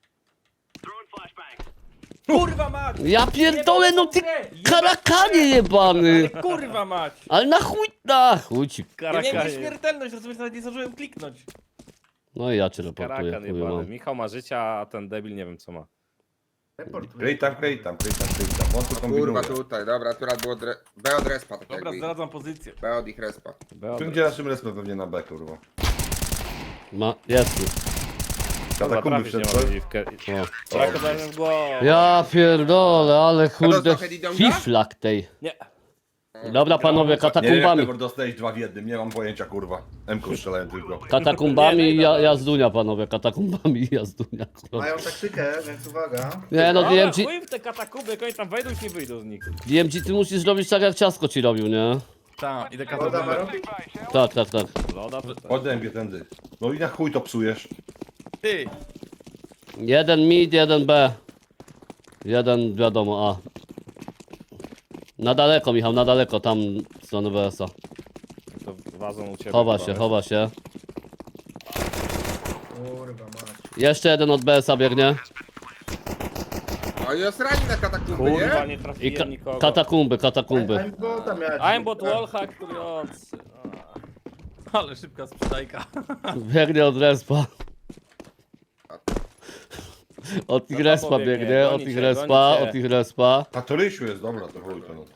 [SPEAKER 4] Kurwa mać!
[SPEAKER 1] Ja pierdolę, no ty karakanie jebany!
[SPEAKER 4] Kurwa mać!
[SPEAKER 1] Ale na chuj ci.
[SPEAKER 4] Ja miałem
[SPEAKER 2] Karakanie.
[SPEAKER 4] nieśmiertelność, rozumiesz, nawet nie zdążyłem kliknąć.
[SPEAKER 1] No i ja cię reportuję,
[SPEAKER 2] Karakan
[SPEAKER 1] chuj
[SPEAKER 2] jebany.
[SPEAKER 1] mam.
[SPEAKER 2] Michał ma życia, a ten debil nie wiem co ma.
[SPEAKER 6] Reportuj.
[SPEAKER 3] Krejt tam. On tu kombinuje.
[SPEAKER 5] Kurwa, tutaj, dobra, akurat było B od respa, tak
[SPEAKER 4] Dobra,
[SPEAKER 5] jakby.
[SPEAKER 4] zdradzam pozycję.
[SPEAKER 5] B od ich respa.
[SPEAKER 3] Tu gdzie naszym respem pewnie na B, kurwa.
[SPEAKER 1] Jest tu.
[SPEAKER 3] Katakumby
[SPEAKER 2] Trafić nie
[SPEAKER 3] wszedł,
[SPEAKER 2] ma
[SPEAKER 3] co?
[SPEAKER 2] dziwkę.
[SPEAKER 1] O.
[SPEAKER 2] Rako dałem w głowę.
[SPEAKER 1] Ja pierdolę, ale kurde
[SPEAKER 5] dostał Hedy Donga?
[SPEAKER 1] fiflak tej.
[SPEAKER 2] Nie.
[SPEAKER 1] Dobra panowie,
[SPEAKER 3] Nie wiem jak
[SPEAKER 1] katakumbami.
[SPEAKER 3] Trevor dostałeś 2 w jednym, nie mam pojęcia kurwa. M-ką strzelałem tylko.
[SPEAKER 1] Katakumbami
[SPEAKER 2] Nie,
[SPEAKER 1] i
[SPEAKER 2] nie, dobra.
[SPEAKER 1] jazdunia panowie, katakumbami i jazdunia. kurwa.
[SPEAKER 6] Mają taktykę, więc uwaga.
[SPEAKER 1] Nie no,
[SPEAKER 2] Dobra,
[SPEAKER 1] DMG,
[SPEAKER 2] chuj w te katakumby, jak oni tam wejdą i nie wyjdą z nich.
[SPEAKER 1] DMG ty musisz robić tak jak ciasko ci robił, nie?
[SPEAKER 4] Tak, idę
[SPEAKER 6] Woda ma
[SPEAKER 4] katakumbę.
[SPEAKER 6] robić?
[SPEAKER 1] Tak, tak, tak.
[SPEAKER 2] Loda to tak.
[SPEAKER 3] Odębie tędy. No i na chuj to psujesz.
[SPEAKER 4] Ty,
[SPEAKER 1] Jeden mid, jeden B. Jeden wiadomo, A. Na daleko Michał, na daleko, tam w stronę BS-a.
[SPEAKER 2] To wazą u ciebie.
[SPEAKER 1] Chowa
[SPEAKER 2] chyba,
[SPEAKER 1] się, chowa się.
[SPEAKER 6] Kurwa mać.
[SPEAKER 1] Jeszcze jeden od BS-a biegnie.
[SPEAKER 5] O, jest rani na katakumby,
[SPEAKER 2] Kurwa,
[SPEAKER 5] nie?
[SPEAKER 2] nie
[SPEAKER 1] I
[SPEAKER 2] trafiłem nikogo.
[SPEAKER 1] katakumby, katakumby.
[SPEAKER 6] Aimbota miałeś.
[SPEAKER 2] Aimbot wallhack trujący.
[SPEAKER 4] ale szybka sprzedajka.
[SPEAKER 1] Biegnie od respa. Od ich
[SPEAKER 2] No to
[SPEAKER 1] respa
[SPEAKER 2] pobiegnie,
[SPEAKER 1] biegnie, od
[SPEAKER 2] goni
[SPEAKER 1] ich
[SPEAKER 2] cię,
[SPEAKER 1] respa,
[SPEAKER 2] goni cię.
[SPEAKER 1] od ich respa.
[SPEAKER 3] A to Rysiu jest, dobra, to chuj to no.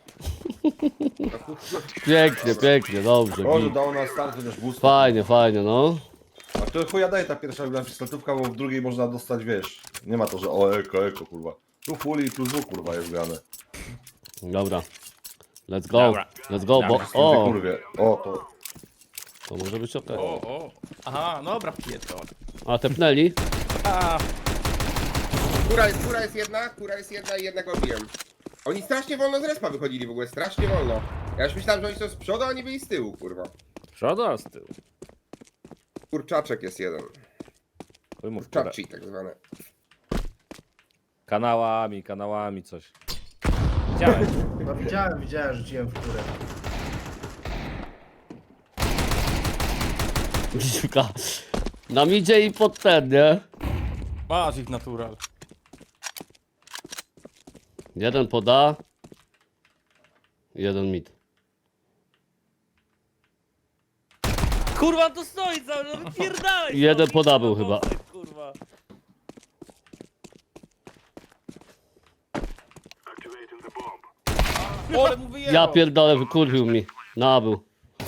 [SPEAKER 1] Pięknie, pięknie, dobrze.
[SPEAKER 3] Może
[SPEAKER 1] git.
[SPEAKER 3] dało na start też boost.
[SPEAKER 1] Fajnie, fajnie, no.
[SPEAKER 3] A to chuja daje ta pierwsza pistoletówka, bo w drugiej można dostać, wiesz. Nie ma to, że o eko, kurwa. Tu full i plus W kurwa jest grane.
[SPEAKER 1] Dobra. Let's go,
[SPEAKER 2] Dobra.
[SPEAKER 1] let's go, bo...
[SPEAKER 3] Ty
[SPEAKER 1] O,
[SPEAKER 3] kurwie. O to.
[SPEAKER 1] to może być okej.
[SPEAKER 4] O. Aha, dobra, pierdolę.
[SPEAKER 1] A, tepnęli?
[SPEAKER 4] A,
[SPEAKER 5] Kura jest jedna i jednego bijem. Oni strasznie wolno z respa wychodzili w ogóle, strasznie wolno. Ja już myślałem, że oni są z przodu, a oni byli z tyłu, kurwa.
[SPEAKER 2] Z przodu, a z tyłu.
[SPEAKER 5] Kurczaczek jest jeden.
[SPEAKER 2] Chuj mu w kurę.
[SPEAKER 5] Kurczaczki tak zwane.
[SPEAKER 2] Kanałami coś. Widziałem.
[SPEAKER 6] No widziałem, rzuciłem w górę.
[SPEAKER 1] Dziwka. Nam idzie i pod ten, nie?
[SPEAKER 4] masz ich natural.
[SPEAKER 1] Jeden poda. Jeden mid.
[SPEAKER 2] Kurwa, tu stoi cały, no wypierdalaj!
[SPEAKER 1] Jeden
[SPEAKER 2] stąd,
[SPEAKER 1] poda był
[SPEAKER 2] kurwa,
[SPEAKER 1] chyba.
[SPEAKER 2] Kurwa.
[SPEAKER 4] Ale mu wyjechał.
[SPEAKER 1] Ja pierdolę, wykurwił mi. Nabył.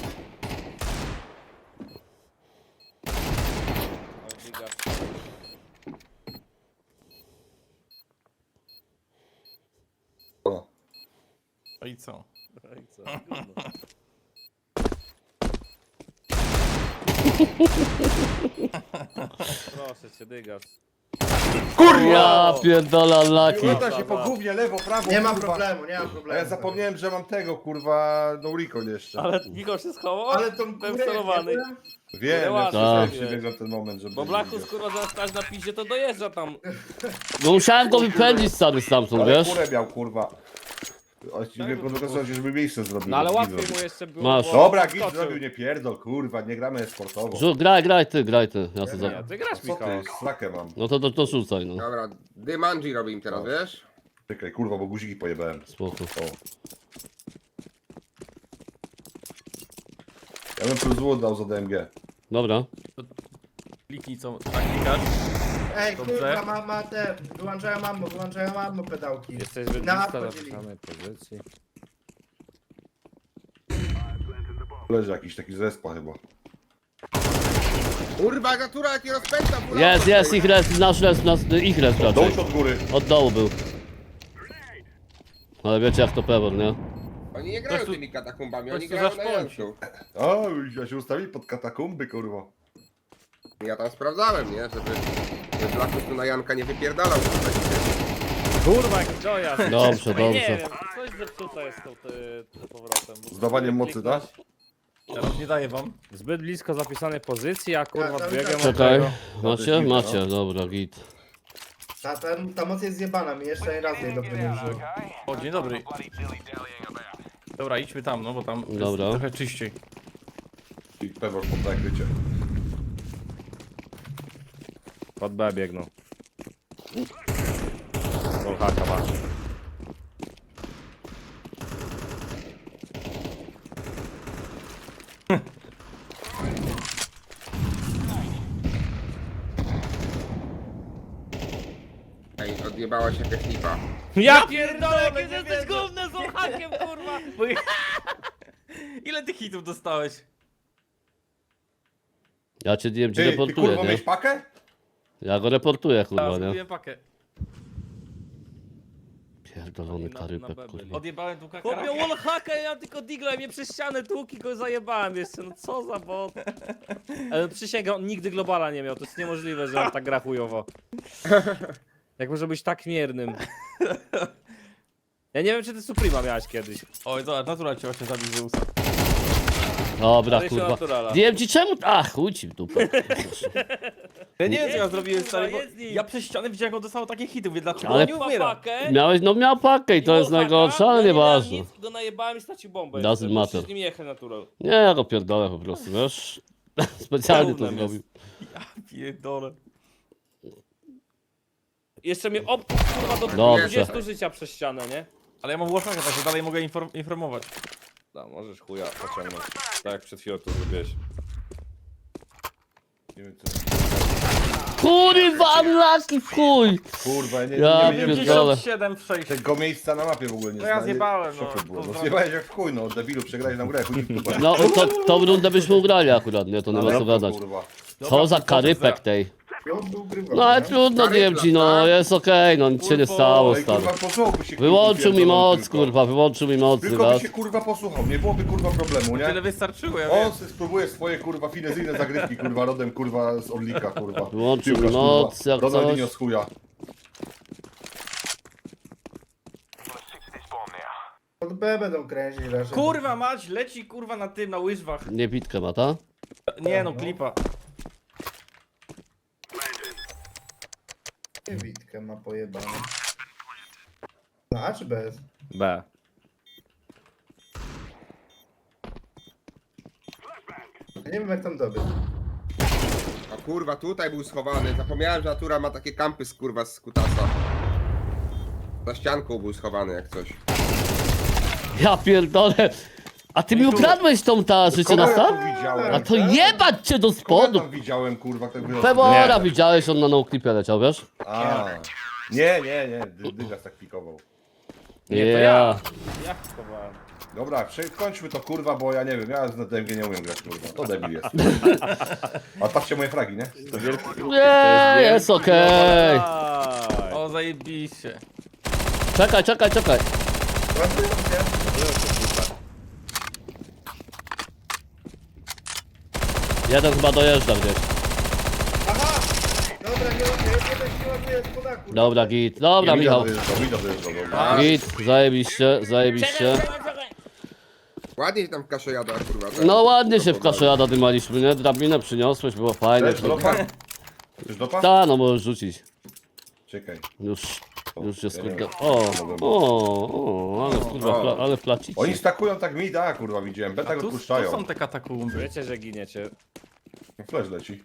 [SPEAKER 3] O.
[SPEAKER 4] No i co?
[SPEAKER 2] I co? Gówno. Proszę cię, dygas.
[SPEAKER 1] Ja pierdolę unlucky.
[SPEAKER 3] Lata się po gównie, lewo, prawo,
[SPEAKER 6] Nie ma
[SPEAKER 3] kurwa.
[SPEAKER 6] problemu, nie ma
[SPEAKER 3] A
[SPEAKER 6] problemu.
[SPEAKER 3] ja zapomniałem, że mam tego, kurwa, no recall jeszcze.
[SPEAKER 2] Ale Michał się schował?
[SPEAKER 6] Ale tą
[SPEAKER 2] Byłem
[SPEAKER 6] kurę,
[SPEAKER 2] celowany.
[SPEAKER 3] Wiem, ja
[SPEAKER 2] ładnie
[SPEAKER 3] przestałem
[SPEAKER 2] zrobiłeś.
[SPEAKER 3] się biegł na ten moment, żeby...
[SPEAKER 2] Bo Blachus kurwa zaraz stać na piździe, to dojeżdża tam.
[SPEAKER 1] No musiałem go wypędzić stary stamtąd,
[SPEAKER 3] Ale
[SPEAKER 1] wiesz?
[SPEAKER 3] kurę miał, kurwa. Właściwie pokazał się, żeby miejsce zrobił.
[SPEAKER 2] No ale
[SPEAKER 3] żeby
[SPEAKER 2] łatwiej
[SPEAKER 3] git
[SPEAKER 2] mu
[SPEAKER 3] zrobił.
[SPEAKER 2] jeszcze było.
[SPEAKER 1] Masz.
[SPEAKER 2] bo
[SPEAKER 3] Dobra, git
[SPEAKER 2] skoczył.
[SPEAKER 3] zrobił, nie pierdol, kurwa, nie gramy sportowo.
[SPEAKER 1] Graj ty. Ja to
[SPEAKER 2] Nie,
[SPEAKER 1] za...
[SPEAKER 2] ty grasz,
[SPEAKER 3] Co
[SPEAKER 2] Michał.
[SPEAKER 3] ty, slakę mam.
[SPEAKER 1] No to rzucaj, no.
[SPEAKER 5] Dobra, Dymanji robi im teraz, wiesz?
[SPEAKER 3] Czekaj, kurwa, bo guziki pojebałem.
[SPEAKER 1] Spoko.
[SPEAKER 3] O. Ja bym plus złot dał za DMG.
[SPEAKER 1] Dobra.
[SPEAKER 4] Kliknij co, tak klikasz.
[SPEAKER 6] Ej,
[SPEAKER 4] Dobrze.
[SPEAKER 6] kurwa, ma te. Wyłączają ammo pedałki.
[SPEAKER 2] Jesteś zbyt
[SPEAKER 6] Na
[SPEAKER 2] blisko
[SPEAKER 6] wchodzili.
[SPEAKER 2] zapisanej pozycji.
[SPEAKER 3] Leży jakiś taki zespa chyba.
[SPEAKER 5] Kurwa, natura jaki rozpędza, kurwa.
[SPEAKER 1] Jest, ich res, nasz res, ich res raczej.
[SPEAKER 3] Dołóż od góry.
[SPEAKER 1] Od dołu był. Ale wiecie jak to pewor, nie?
[SPEAKER 5] Oni nie grają
[SPEAKER 4] Ktoś tu-
[SPEAKER 5] tymi katakumbami,
[SPEAKER 4] ktoś
[SPEAKER 5] oni
[SPEAKER 4] tu
[SPEAKER 5] grają na
[SPEAKER 4] zaszpącił.
[SPEAKER 5] Janku.
[SPEAKER 3] O, ja się ustawili pod katakumby, kurwa.
[SPEAKER 5] Ja tam sprawdzałem, nie? Żeby Blachus tu na Janka nie wypierdalał.
[SPEAKER 2] Kurwa, jak Joja.
[SPEAKER 1] Dobrze,
[SPEAKER 2] Nie
[SPEAKER 1] dobrze.
[SPEAKER 2] wiem, coś zepsute jest tym powrotem.
[SPEAKER 3] Zdawaniem mocy, tak?
[SPEAKER 4] Teraz nie daję wam.
[SPEAKER 2] Zbyt blisko zapisanej pozycji, a kurwa
[SPEAKER 6] Ja,
[SPEAKER 2] biegam od
[SPEAKER 1] Czekaj.
[SPEAKER 2] tego.
[SPEAKER 1] Macie? Macie, dobra, git.
[SPEAKER 6] Ta moc jest zjebana, mi jeszcze ani razu jej dobrze nie użył.
[SPEAKER 4] O, dzień dobry. Dobra, idźmy tam, no bo tam
[SPEAKER 1] Dobra.
[SPEAKER 4] jest trochę czyściej.
[SPEAKER 3] I pewor pod nakrycie.
[SPEAKER 2] Pod B biegną. Wallhacka ma.
[SPEAKER 5] Ej, odjebała się jakaś lipa.
[SPEAKER 2] Ja pierdolę, jak jesteś gównem z Wallhackiem, kurwa!
[SPEAKER 4] Bo... Ile tych hitów dostałeś?
[SPEAKER 1] Ja cię DMG
[SPEAKER 3] Ty
[SPEAKER 1] reportuję,
[SPEAKER 3] kurwa,
[SPEAKER 1] nie?
[SPEAKER 3] miałeś pakę?
[SPEAKER 1] Ja go reportuję,
[SPEAKER 4] Ja
[SPEAKER 1] kurwa, nie?
[SPEAKER 4] zrobiłem pakę.
[SPEAKER 1] Pierdolony
[SPEAKER 2] Na
[SPEAKER 1] karypek,
[SPEAKER 2] B
[SPEAKER 1] kurwa.
[SPEAKER 4] Odjebałem tu
[SPEAKER 2] Chłopie,
[SPEAKER 4] kakara.
[SPEAKER 2] wallhacka, ja tylko digla i mnie przez ścianę tłuk i go zajebałem jeszcze, no co za bot. Ale przysięgam, on nigdy globala nie miał, to jest niemożliwe, że on tak gra chujowo. Jak może być tak miernym? Ja nie wiem, czy ty Suprema miałeś kiedyś.
[SPEAKER 4] Oj, zobacz, natura cię właśnie zabił Zeusa.
[SPEAKER 1] Dobra,
[SPEAKER 2] Ale się
[SPEAKER 1] kurwa.
[SPEAKER 2] naturala.
[SPEAKER 1] Wiem ci czemu... A, chuj ci w dupę.
[SPEAKER 4] Ja nie wiem, co ja
[SPEAKER 2] Jedz
[SPEAKER 4] zrobiłem,
[SPEAKER 2] nim,
[SPEAKER 4] stary,
[SPEAKER 2] kurwa,
[SPEAKER 4] bo
[SPEAKER 2] jedz nim.
[SPEAKER 4] ja przez ścianę widziałem, jak on dostał takie hity, mówię, dlaczego
[SPEAKER 1] Ale-
[SPEAKER 4] on nie umiera?
[SPEAKER 2] Pakę,
[SPEAKER 1] Miałeś, no miał pakę i to jest
[SPEAKER 2] wallhacka,
[SPEAKER 1] najgorsze, ale
[SPEAKER 2] ja nie miałem
[SPEAKER 1] nieważne.
[SPEAKER 2] nic, go najebałem i stracił bombę.
[SPEAKER 1] Doesn't
[SPEAKER 2] jeszcze, bo
[SPEAKER 1] matter.
[SPEAKER 2] się z nim jechać natural.
[SPEAKER 1] Nie, ja go pierdolę po prostu, wiesz? Specjalnie to
[SPEAKER 2] Gównem jest.
[SPEAKER 1] zrobił.
[SPEAKER 4] Pierdolę.
[SPEAKER 2] Jeszcze mnie obkuł, kurwa, do
[SPEAKER 1] Dobrze.
[SPEAKER 2] 20 życia przez ścianę, nie?
[SPEAKER 4] Ale ja mam włosaka, także dalej mogę informować.
[SPEAKER 2] No, możesz chuja pociągnąć. Tak jak przed chwilą tu zrobiłeś.
[SPEAKER 3] Nie wiem, co...
[SPEAKER 1] Kurwa, unlucky w chuj!
[SPEAKER 3] Kurwa, nie,
[SPEAKER 1] Ja
[SPEAKER 3] nie, nie, nie,
[SPEAKER 1] pierdolę.
[SPEAKER 4] 57 w 6.
[SPEAKER 3] tego miejsca na mapie w ogóle nie
[SPEAKER 4] No ja
[SPEAKER 3] znali.
[SPEAKER 4] zjebałem,
[SPEAKER 3] W szoku
[SPEAKER 4] no.
[SPEAKER 3] byłem. No
[SPEAKER 4] Pozdrawiam.
[SPEAKER 3] zjebałeś jak w chuj, no debilu, przegrałeś na grę, chuj ci w dupę.
[SPEAKER 1] No, tą rundę byśmy ugrali akurat, nie? To nie ma co gadać.
[SPEAKER 3] Kurwa.
[SPEAKER 1] Co za karypek tej.
[SPEAKER 6] On był grywany,
[SPEAKER 1] No ale
[SPEAKER 6] nie?
[SPEAKER 1] trudno, DMG, no jest okej, no nic się nie stało,
[SPEAKER 3] Ej,
[SPEAKER 1] stary.
[SPEAKER 3] kurwa, posłuchałby się.
[SPEAKER 1] Wyłączył mi
[SPEAKER 3] pierdolony
[SPEAKER 1] moc,
[SPEAKER 3] tylko.
[SPEAKER 1] kurwa, wyłączył mi moc,
[SPEAKER 3] Tylko by
[SPEAKER 1] raz.
[SPEAKER 3] się kurwa posłuchał, nie byłoby kurwa problemu, nie?
[SPEAKER 4] Tyle wystarczyło, ja
[SPEAKER 3] On
[SPEAKER 4] wiem.
[SPEAKER 3] se spróbuje swoje kurwa finezyjne zagrywki, kurwa, rodem kurwa z Orlika, kurwa.
[SPEAKER 1] Wyłączył
[SPEAKER 3] Piłkarz,
[SPEAKER 1] noc,
[SPEAKER 3] kurwa.
[SPEAKER 1] jak
[SPEAKER 3] Ronaldinho
[SPEAKER 1] coś.
[SPEAKER 3] z chuja.
[SPEAKER 6] Od B będą kręcić raczej.
[SPEAKER 4] Kurwa mać, leci kurwa na tym, na łyżwach.
[SPEAKER 1] Nie bitkę ma, ta?
[SPEAKER 4] Nie no, klipa.
[SPEAKER 6] Nie Witkę ma pojebane. No A czy bez?
[SPEAKER 2] B.
[SPEAKER 6] Ja nie wiem jak tam dobiec.
[SPEAKER 5] A kurwa, tutaj był schowany. Zapomniałem, że natura ma takie kampy z kurwa z kutasa. Za ścianką był schowany jak coś.
[SPEAKER 1] Ja pierdolę. A ty mi ukradłeś tą ta życie
[SPEAKER 3] Kogo
[SPEAKER 1] na
[SPEAKER 3] ja tu
[SPEAKER 1] sam?
[SPEAKER 3] widziałem?
[SPEAKER 1] A to jebać cię do
[SPEAKER 3] Kogo ja
[SPEAKER 1] spodu.
[SPEAKER 3] tam widziałem, kurwa, tak wyrosło?
[SPEAKER 1] Pewora widziałeś, on na noclipie leciał, wiesz?
[SPEAKER 3] A. Nie, Dygas tak pikował.
[SPEAKER 2] Nie, to
[SPEAKER 1] Ja.
[SPEAKER 2] Ja chowałem.
[SPEAKER 3] Dobra, kończmy to kurwa, bo ja nie wiem, ja na DMG nie umiem grać, kurwa. To debil jest. A patrzcie moje fragi, nie?
[SPEAKER 1] Nie, jest okej.
[SPEAKER 2] Daj.
[SPEAKER 4] O, zajebiście.
[SPEAKER 1] Czekaj.
[SPEAKER 6] Ładują się.
[SPEAKER 1] Jeden chyba dojeżdża gdzieś.
[SPEAKER 6] Aha! Dobra, nie się ładuje z podaku.
[SPEAKER 1] Dobra, git. Dobra, Michał.
[SPEAKER 3] Mida dojeżdżał, dobra.
[SPEAKER 1] Git, zajebiście.
[SPEAKER 5] Ładnie się tam w kaszę jada, kurwa. tak?
[SPEAKER 1] No ładnie się w kaszojada dymaliśmy, nie? Drabinę przyniosłeś, było fajnie.
[SPEAKER 3] Chcesz dopa? Chcesz dopa?
[SPEAKER 1] Ta, no możesz rzucić.
[SPEAKER 3] Czekaj.
[SPEAKER 1] Już jest
[SPEAKER 3] Ja nie
[SPEAKER 1] kurde.
[SPEAKER 3] wiem.
[SPEAKER 1] Ale kurwa, ale placicie.
[SPEAKER 3] Oni stakują tak mida, kurwa, widziałem. Beta
[SPEAKER 4] A
[SPEAKER 3] go
[SPEAKER 4] tu
[SPEAKER 3] odpuszczają.
[SPEAKER 4] są te katakumby.
[SPEAKER 2] Wiecie, że giniecie.
[SPEAKER 3] Flash leci.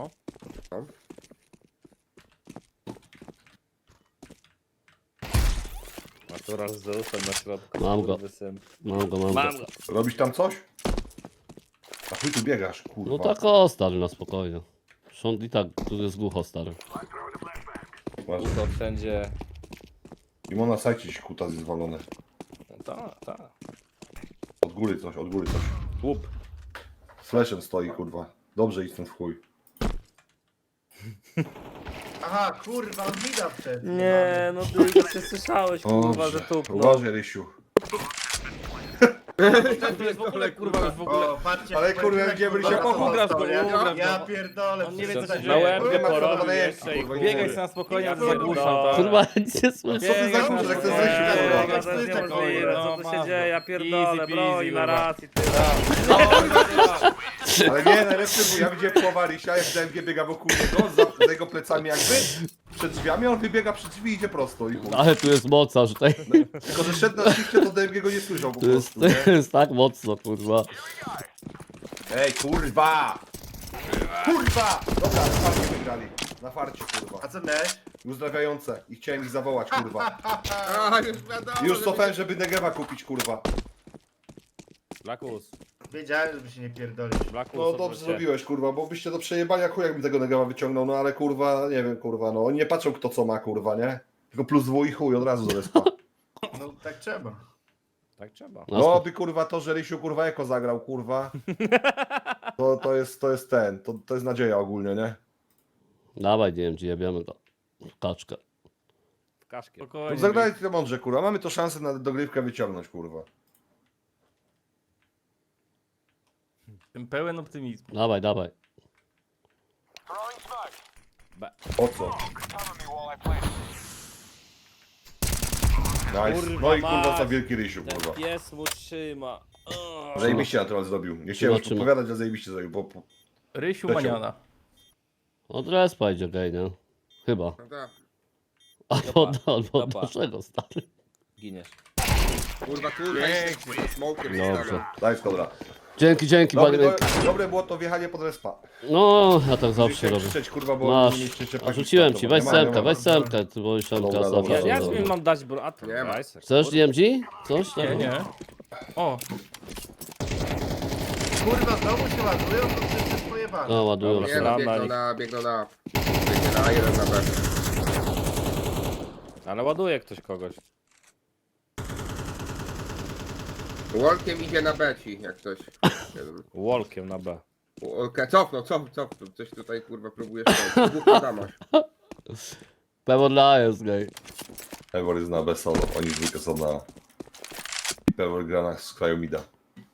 [SPEAKER 2] Natural z Zeusem na środku.
[SPEAKER 1] Mam go.
[SPEAKER 2] kurwysyn.
[SPEAKER 1] Mam go.
[SPEAKER 2] Mam go.
[SPEAKER 3] Robisz tam coś? A chuj tu biegasz, kurwa.
[SPEAKER 1] No tak o, stary, na spokojnie. Szond i tak, tu jest głucho, stary.
[SPEAKER 3] Masz.
[SPEAKER 2] To wszędzie.
[SPEAKER 3] Mimo na sajcie ci kuta jest zwalone.
[SPEAKER 2] Tak.
[SPEAKER 3] Od góry coś.
[SPEAKER 2] Łup.
[SPEAKER 3] Flashem stoi, kurwa. Dobrze idź ten w chuj.
[SPEAKER 6] Aha, kurwa, on mida przed.
[SPEAKER 2] Nie, no ty się słyszałeś, kurwa, że tu. No.
[SPEAKER 3] Uważaj, Rysiu.
[SPEAKER 4] To jest w ogóle kurwa już w ogóle.
[SPEAKER 6] O, patrzcie.
[SPEAKER 3] Ale kurwa, gdzie by się
[SPEAKER 4] Ugrasz go, ugrasz
[SPEAKER 6] Ja
[SPEAKER 4] go.
[SPEAKER 6] pierdolę.
[SPEAKER 4] On nie wie, co się
[SPEAKER 6] przecież-
[SPEAKER 2] Na łeb
[SPEAKER 3] Nie ma co
[SPEAKER 2] porobił
[SPEAKER 3] do
[SPEAKER 2] jeszcze i
[SPEAKER 3] kurwa,
[SPEAKER 4] Biegaj
[SPEAKER 3] nie
[SPEAKER 4] sobie na spokojnie,
[SPEAKER 2] Ja
[SPEAKER 4] ja zagłuszam,
[SPEAKER 2] pierdolę.
[SPEAKER 4] tak?
[SPEAKER 1] Kurwa, nie słyszę.
[SPEAKER 3] Co ty za kurze, jak to jest Rysiu, kurwa?
[SPEAKER 2] Kurwa, to jest niemożliwe, co tu się dzieje, ja pierdolę,
[SPEAKER 4] Easy
[SPEAKER 2] bro,
[SPEAKER 4] peasy,
[SPEAKER 2] i na
[SPEAKER 4] kurwa.
[SPEAKER 2] racji, ty.
[SPEAKER 3] Ale nie, najlepszy, bo ja widziałem połowa Rysia, jak DMG biega wokół niego, za jego plecami jakby, przed drzwiami, a on wybiega przed drzwi i idzie prosto i chuj.
[SPEAKER 1] Ale tu jest mocarz tutaj.
[SPEAKER 3] Tylko, że szedł na shifcie, to DMG go nie słyszał po
[SPEAKER 1] To jest,
[SPEAKER 3] prostu, nie?
[SPEAKER 1] to jest tak mocno, kurwa.
[SPEAKER 3] Ej, kurwa! Kurwa! Dobra, na farcie wygrali. Na farcie,
[SPEAKER 6] A
[SPEAKER 3] kurwa.
[SPEAKER 6] co miałeś?
[SPEAKER 3] Uzdrawiające. I chciałem ich zawołać, kurwa.
[SPEAKER 5] A, już wiadomo.
[SPEAKER 3] Już
[SPEAKER 5] że-
[SPEAKER 3] cofałem, żeby Negewa kupić, kurwa.
[SPEAKER 2] Blackus,
[SPEAKER 6] Wiedziałem, żeby się nie pierdolić.
[SPEAKER 2] Blackus,
[SPEAKER 3] No dobrze zrobiłeś, kurwa, bo byście do przejebania chuj, jakbym tego Negewa wyciągnął, no ale kurwa, nie wiem, kurwa, no. Oni nie patrzą kto co ma, kurwa, nie? Tylko plus W i chuj, od razu do respa.
[SPEAKER 6] No tak trzeba.
[SPEAKER 2] Tak trzeba.
[SPEAKER 3] No by kurwa to, że Rysiu kurwa Eko zagrał, kurwa. To jest ten, to jest nadzieja ogólnie, nie?
[SPEAKER 1] Dawaj, DMG, jebiemy go. W kaczkę.
[SPEAKER 2] Kaszkiet.
[SPEAKER 4] Spokojnie.
[SPEAKER 3] Zagrajcie to mądrze, kurwa. Mamy to szansę na dogrywkę wyciągnąć, kurwa.
[SPEAKER 4] Jestem pełen optymizmu.
[SPEAKER 1] Dawaj, dawaj.
[SPEAKER 3] Po co? Nice.
[SPEAKER 2] Kurwa
[SPEAKER 3] No i kurwa
[SPEAKER 2] mać.
[SPEAKER 3] za wielki rysiu,
[SPEAKER 2] Ten
[SPEAKER 3] kurwa.
[SPEAKER 2] pies mu trzyma.
[SPEAKER 3] Zajebiście na to zrobił. Nie chciałem już
[SPEAKER 1] Zobaczymy.
[SPEAKER 3] podpowiadać, że zajebiście zrobił. Bo...
[SPEAKER 4] Rysiu
[SPEAKER 3] Leciał.
[SPEAKER 4] Maniana.
[SPEAKER 1] Od respa idzie gej, nie? Chyba.
[SPEAKER 5] No tak.
[SPEAKER 1] Albo
[SPEAKER 2] Dobra.
[SPEAKER 1] naszego, stary.
[SPEAKER 2] Giniesz.
[SPEAKER 5] Kurwa, tu
[SPEAKER 4] Pięknie.
[SPEAKER 5] smokiem
[SPEAKER 1] Dobrze.
[SPEAKER 3] Daj skodra.
[SPEAKER 1] Dzięki, panie.
[SPEAKER 3] Dobre było to wjechanie pod respa.
[SPEAKER 1] No, ja tak zawsze
[SPEAKER 3] Musiałem
[SPEAKER 1] robię.
[SPEAKER 3] krzyczeć, kurwa, bo
[SPEAKER 1] Masz.
[SPEAKER 3] nie mieścicie
[SPEAKER 1] A
[SPEAKER 3] paki
[SPEAKER 1] rzuciłem
[SPEAKER 3] startu,
[SPEAKER 1] ci,
[SPEAKER 3] bo
[SPEAKER 1] weź
[SPEAKER 3] nie ma, nie
[SPEAKER 1] semkę,
[SPEAKER 3] ma.
[SPEAKER 1] weź semkę, ty bo semka
[SPEAKER 3] Dobra,
[SPEAKER 1] zawsze.
[SPEAKER 3] dobra.
[SPEAKER 2] Ja
[SPEAKER 1] dobra.
[SPEAKER 2] mi mam dać bro... A to
[SPEAKER 5] Nie ma.
[SPEAKER 2] daj se,
[SPEAKER 1] Chcesz
[SPEAKER 2] kurwa.
[SPEAKER 1] DMG? Coś?
[SPEAKER 4] Nie, nie. O,
[SPEAKER 6] Kurwa, znowu się ładują, to wszyscy jest pojebane.
[SPEAKER 1] No, ładują
[SPEAKER 2] Dobra,
[SPEAKER 5] Nie
[SPEAKER 1] się.
[SPEAKER 5] no,
[SPEAKER 2] Strzelam
[SPEAKER 5] biegną na A, jeden na B.
[SPEAKER 2] Ale ładuje ktoś kogoś.
[SPEAKER 5] Walkiem idzie na B ci, jak coś.
[SPEAKER 2] Walkiem na B.
[SPEAKER 5] Cofnął. Coś tutaj kurwa próbujesz robić. Dwóch Adamoś.
[SPEAKER 1] Pewo dla jest gej.
[SPEAKER 3] Pewor jest na B solo, oni dwójkę są na... I Pewor gra na z kraju mida.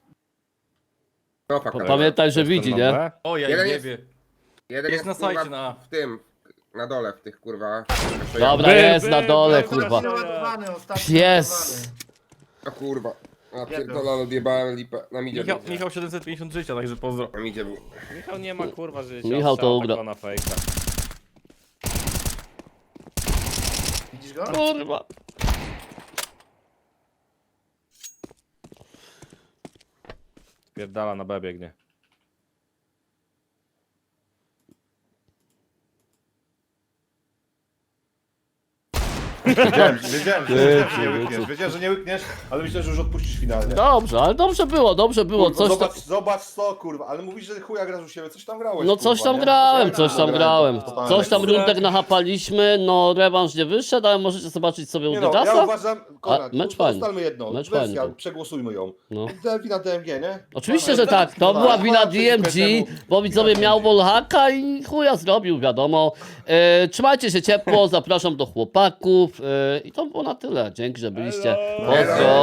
[SPEAKER 5] No faka.
[SPEAKER 1] Pamiętaj, że
[SPEAKER 2] Ktoś
[SPEAKER 1] widzi,
[SPEAKER 2] tam na
[SPEAKER 1] nie?
[SPEAKER 2] B?
[SPEAKER 4] o ja
[SPEAKER 5] Jeden
[SPEAKER 4] nie
[SPEAKER 5] jest-
[SPEAKER 4] wie.
[SPEAKER 5] Jeden
[SPEAKER 4] Jest na
[SPEAKER 5] kurwa,
[SPEAKER 4] sajcie na A.
[SPEAKER 5] w tym, na dole w tych kurwa.
[SPEAKER 1] Dobra, jest na dole,
[SPEAKER 6] Kurwa.
[SPEAKER 1] kurwa.
[SPEAKER 6] Ładowany, ostatni
[SPEAKER 1] Pies!
[SPEAKER 5] O kurwa. A pierdolę, odjebałem lipę. Na midzie
[SPEAKER 4] Michał,
[SPEAKER 5] był.
[SPEAKER 4] Michał 750 życia, także pozdro.
[SPEAKER 5] Na midzie był.
[SPEAKER 2] Michał nie ma kurwa życia.
[SPEAKER 1] Michał to
[SPEAKER 2] strzał
[SPEAKER 1] ugra.
[SPEAKER 2] tylko na fejka.
[SPEAKER 6] Widzisz go?
[SPEAKER 1] Kurwa.
[SPEAKER 2] Pierdala na B biegnie.
[SPEAKER 3] Wiedziałem,
[SPEAKER 1] Ty,
[SPEAKER 3] wiedziałem, że nie łykniesz, ale myślę, że już odpuścisz finalnie.
[SPEAKER 1] Dobrze, ale dobrze było.
[SPEAKER 3] Kurwa,
[SPEAKER 1] Coś tam...
[SPEAKER 3] zobacz co, kurwa, ale mówisz, że chuja grasz u siebie, coś tam grałeś,
[SPEAKER 1] No
[SPEAKER 3] kurwa,
[SPEAKER 1] coś tam
[SPEAKER 3] nie?
[SPEAKER 1] grałem, coś tam grałem.
[SPEAKER 3] Totalnie.
[SPEAKER 1] Coś tam rundek nachapaliśmy, no rewanż nie wyszedł, ale możecie zobaczyć sobie u
[SPEAKER 3] Nie no, ja
[SPEAKER 1] Dygasa.
[SPEAKER 3] uważam, Konrad,
[SPEAKER 1] mecz fajny.
[SPEAKER 3] ustalmy jedno,
[SPEAKER 1] Mecz
[SPEAKER 3] wersja,
[SPEAKER 1] fajny.
[SPEAKER 3] przegłosujmy ją.
[SPEAKER 1] No.
[SPEAKER 3] Wina DMG, nie?
[SPEAKER 1] Oczywiście, że tak, to była wina DMG, bo widzowie miał wallhacka i chuja zrobił, wiadomo. Trzymajcie się ciepło, zapraszam do chłopaków i to było na tyle. Dzięki, że byliście.
[SPEAKER 2] Elo.
[SPEAKER 1] Pozdro.